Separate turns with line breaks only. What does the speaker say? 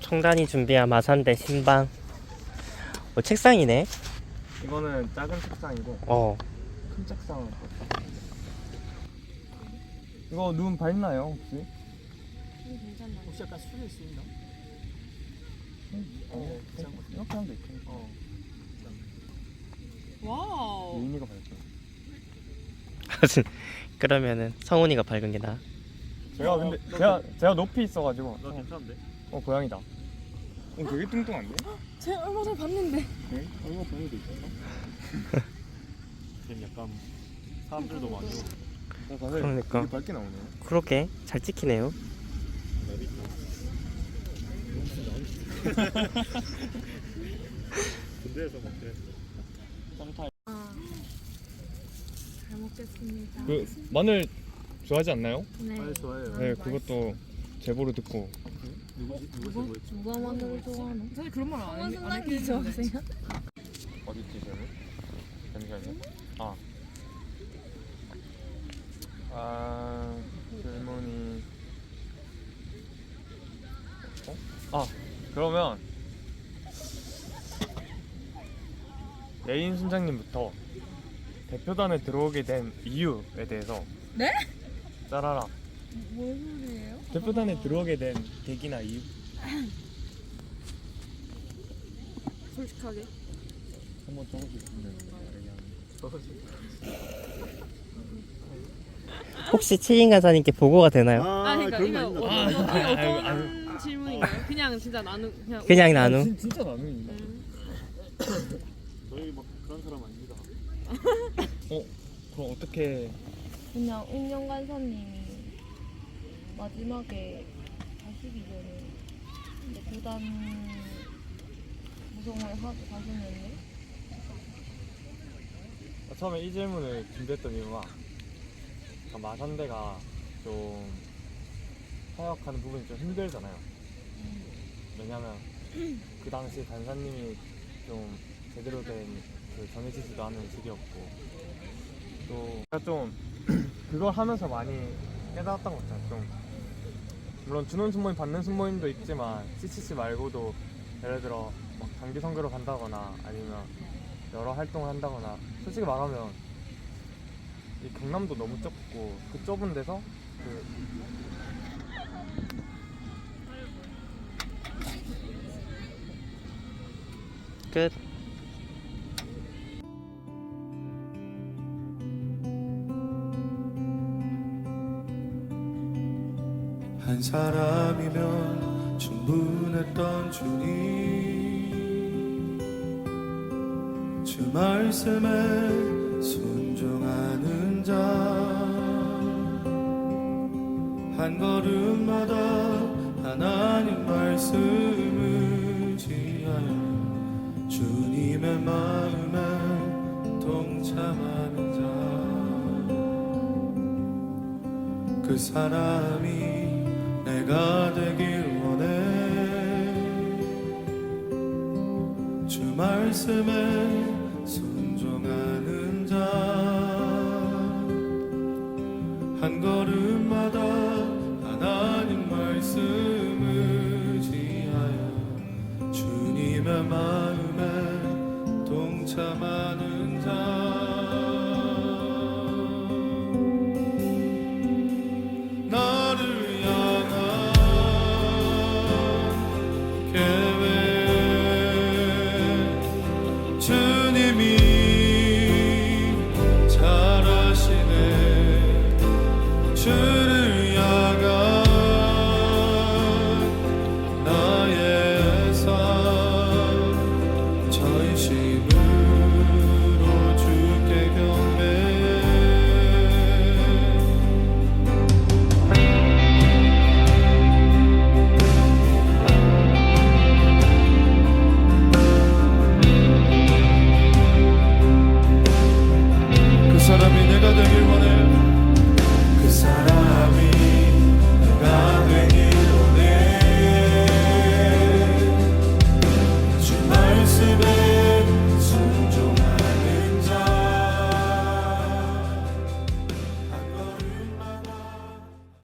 청단이 준비한 마산대 신방. 책상이네.
이거는 작은 책상이고 큰 책상은 이거 눈 밝나요 혹시?
괜찮나?
혹시 약간 술일 수 있나?
이렇게 하면 돼.
와우.
유인이가 밝죠.
그러면은 성훈이가 밝은 게 나아.
제가 근데 제가 높이 있어가지고.
나 괜찮은데?
고양이다. 되게 뚱뚱한데?
제가 얼마 전에 봤는데.
네? 얼마 고양이도 있었어?
지금 약간 사람들도 많이 오고.
그러니까.
되게 밝게 나오네요.
그렇게 잘 찍히네요.
군대에서 막 그랬어.
잘 먹겠습니다.
마늘 좋아하지 않나요?
네.
아, 좋아해요.
네, 그것도 제보로 듣고.
누구지? 누가 제보했지?
누가 마늘을 좋아하나? 사실 그런 말 안 해.
선생님 좋아하세요?
어디 있지 질문? 잠시만요. 질문이. 그러면 예인 순장님부터 대표단에 들어오게 된 이유에 대해서.
네?
짜라라.
뭔 소리예요?
대표단에 들어오게 된 계기나 이유?
솔직하게.
한번 적어주시면
혹시 치인 간사님께 보고가 되나요?
그러니까
그런
이거
거 있나?
어떤 질문인가요? 그냥 진짜 나는 그냥.
그냥 나눔.
진짜 나눔이다.
저희 막 그런 사람 아닙니다.
그럼 어떻게?
그냥 운영 간사님이 마지막에 가시기 전에 이제 교단 구성을 하고 가시는데
처음에 이 질문을 준비했던 이유가 마산대가 좀 사역하는 부분이 좀 힘들잖아요. 왜냐면 그 당시 간사님이 좀 제대로 된 그 정해지지도 않은 시기였고, 또 제가 좀 그걸 하면서 많이 깨달았던 것 같아요. 좀 물론 준원 순모임 받는 순모임도 있지만 CCC 말고도 예를 들어 막 장기 선교로 간다거나 아니면 여러 활동을 한다거나, 솔직히 말하면 이 경남도 너무 좁고 그 좁은 데서
끝.
한 사람이면 충분했던 주님, 주 말씀에 순종하는 자, 한 걸음마다 하나님 말씀을 의지하여 주님의 마음에 동참하는 자, 그 사람이 내가 되길 원해. 주 말씀에 순종하는 자, 한 걸음